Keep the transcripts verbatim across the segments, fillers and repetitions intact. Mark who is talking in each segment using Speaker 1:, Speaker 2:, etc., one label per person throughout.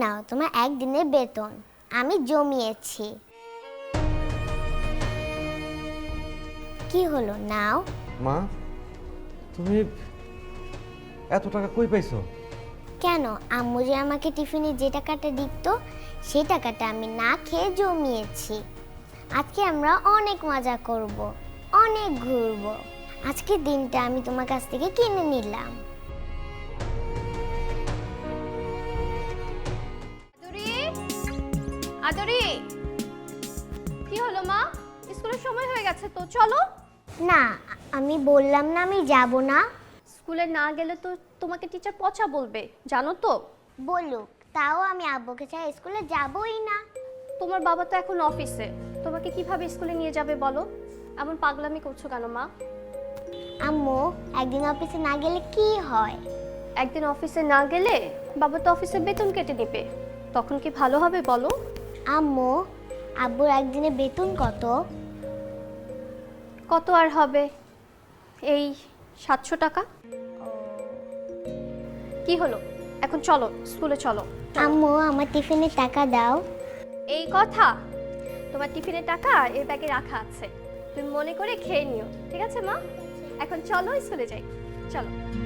Speaker 1: নাও তোমার একদিনের বেতন, আমি জমিয়েছি। কি হলো, নাও।
Speaker 2: মা, তুমি এত টাকা কই পাইছো?
Speaker 1: কেন, আম্মু যে আমাকে টিফিনে যে টাকাটা দিত সেই টাকাটা আমি না খেয়ে জমিয়েছি। আজকে আমরা অনেক মজা করব, অনেক ঘুরবো। আজকের দিনটা আমি তোমার কাছ থেকে কিনে নিলাম।
Speaker 3: আদরি, কি হলো মা? স্কুলের সময় হয়ে গেছে তো, চলো।
Speaker 1: না, আমি বললাম না আমি যাব না।
Speaker 3: স্কুলে না গেলে তো তোমাকে টিচার পচা বলবে, জানো তো।
Speaker 1: বলুক, তাও আমি আব্বুকে ছাড়া স্কুলে যাবই না।
Speaker 3: তোমার বাবা তো এখন অফিসে, তোমাকে কিভাবে স্কুলে নিয়ে যাবে বলো? এমন পাগলামি করছো কেন মা?
Speaker 1: আম্মু, একদিন অফিসে না গেলে কি হয়?
Speaker 3: একদিন অফিসে না গেলে বাবা তো অফিসে বেতন কেটে নেবে, তখন কি ভালো হবে বলো?
Speaker 1: আম্মু, আব্বুর একদিনে বেতন কত?
Speaker 3: কত আর হবে, এই সাতশো টাকা। কি হলো, এখন চলো স্কুলে চলো।
Speaker 1: আম্মু, আমার টিফিনের টাকা দাও।
Speaker 3: এই কথা, তোমার টিফিনের টাকা এর ব্যাগে রাখা আছে, তুমি মনে করে খেয়ে নিও, ঠিক আছে মা? এখন চলো স্কুলে যাই, চলো।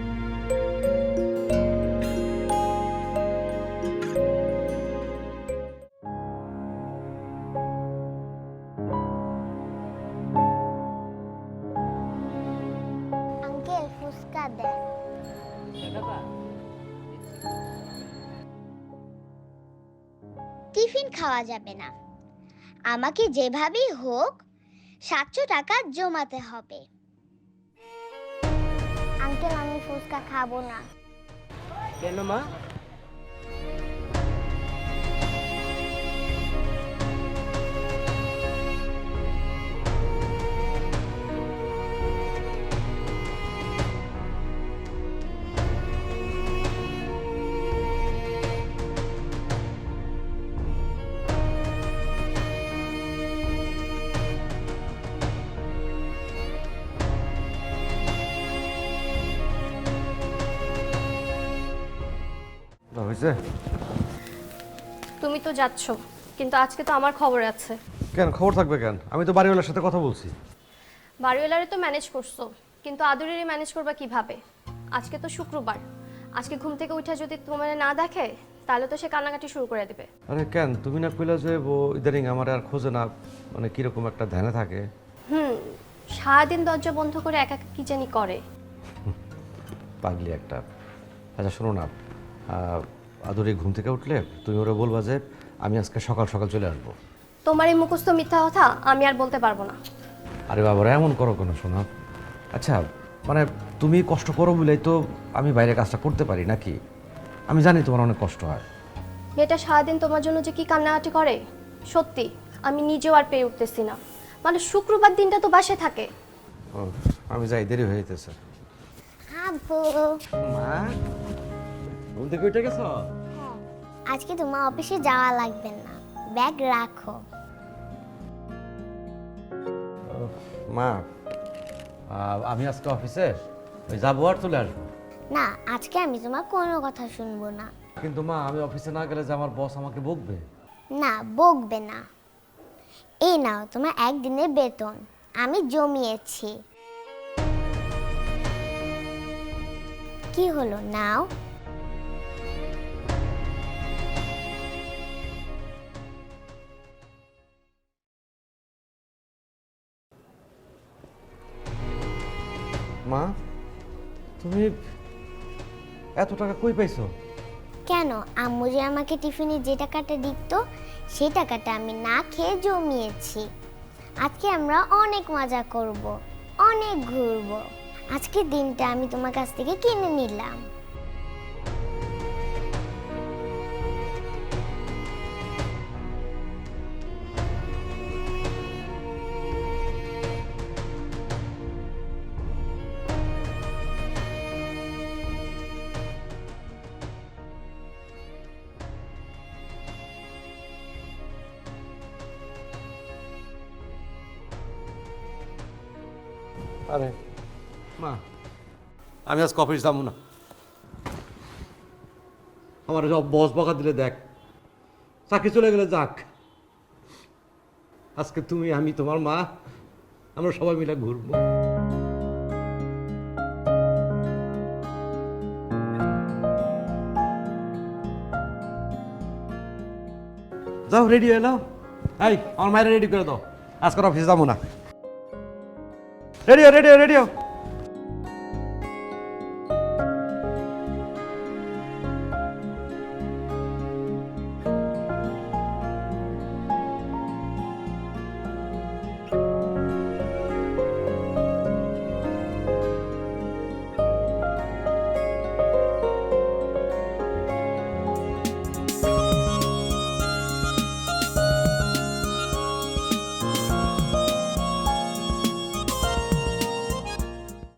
Speaker 1: আঙ্কেল, ফুচকা দেন। টিফিন খাওয়া যাবে না, আমাকে যেভাবেই হোক সাতশো টাকা জমাতে হবে। আঙ্কেল, আমি ফুচকা খাবো না।
Speaker 4: কেন মা?
Speaker 2: হয়েছে?
Speaker 3: তুমি তো যাচ্ছ, কিন্তু আজকে তো আমার খবর আছে।
Speaker 2: কেন খবর থাকবে কেন? আমি তো বাড়িওয়ালার সাথে কথা বলছি।
Speaker 3: বাড়িওয়ালারে তো ম্যানেজ করছো, কিন্তু আদরেরই ম্যানেজ করবা কিভাবে? আজকে তো শুক্রবার, আজকে ঘুম থেকে উঠে যদি তোমার না দেখে তাহলে তো সে কান্নাকাটি শুরু করে দেবে।
Speaker 2: আরে কেন, তুমি না কইলা যে ও ইদানিং আমার আর খোঁজে না, মানে কিরকম একটা ধ্যানে থাকে।
Speaker 3: হুম, সারাদিন দরজা বন্ধ করে একা একা কি জানি করে।
Speaker 2: পাগলি একটা। আচ্ছা শোনো না, আদুরি ঘুম থেকে উঠলে তুমি ওরা বলবা যে আমি আজকে সকাল সকাল চলে আসবো।
Speaker 3: তোমার এই মুখস্থ মিথ্যা কথা আমি আর বলতে পারবো না।
Speaker 2: আরে বাবারা, এমন করো কেন শোনা? আচ্ছা মানে তুমি কষ্ট করো বলেই তো আমি বাইরে কাজটা করতে পারি নাকি? আমি জানি তোমার অনেক কষ্ট হয়।
Speaker 3: মেয়েটা সারাদিন তোমার জন্য যে কি কান্নাকাটি করে, সত্যি আমি নিজেও আর পেয়ে উঠতেছি না। মানে শুক্রবার দিনটা তো বাসে থাকে।
Speaker 2: ও, আমি যাই, দেরি হয়ে যেতেছে।
Speaker 1: আব্বু,
Speaker 2: মা, ঘুম থেকে উঠে গেছো?
Speaker 1: আজকে তোমার অফিসে যাওয়া লাগবে না, ব্যাগ রাখো।
Speaker 2: মা, আহ, আমি আজকে অফিসে ওই যাবো আর চলে আসবো।
Speaker 1: না, আজকে আমি তোমার কোনো কথা শুনবো না।
Speaker 2: কিন্তু মা, আমি অফিসে না গেলে যে আমার বস আমাকে বকবে।
Speaker 1: না, বকবে না। এই নাও তোমার একদিনের বেতন, আমি জমিয়েছি। কি হলো, নাও।
Speaker 2: মা, তুমি এত টাকা কই পাইছো?
Speaker 1: কেন, আম্মু যে আমাকে টিফিনে যে টাকাটা দিত সেই টাকাটা আমি না খেয়ে জমিয়েছি। আজকে আমরা অনেক মজা করব, অনেক ঘুরবো। আজকের দিনটা আমি তোমার কাছ থেকে কিনে নিলাম।
Speaker 2: আরে মা, আমি আজকে অফিস যাবো না। আমার সব বস বকা দিলে দেখ, চাকরি চলে গেলে যাক, আজকে তুমি আমি তোমার মা আমরা সবাই মিলে ঘুরবো। যাও রেডি হয়ে নাও। এই আমার মায়ের রেডি করে দাও, আজকে অফিসে যাবো না। Ready ready ready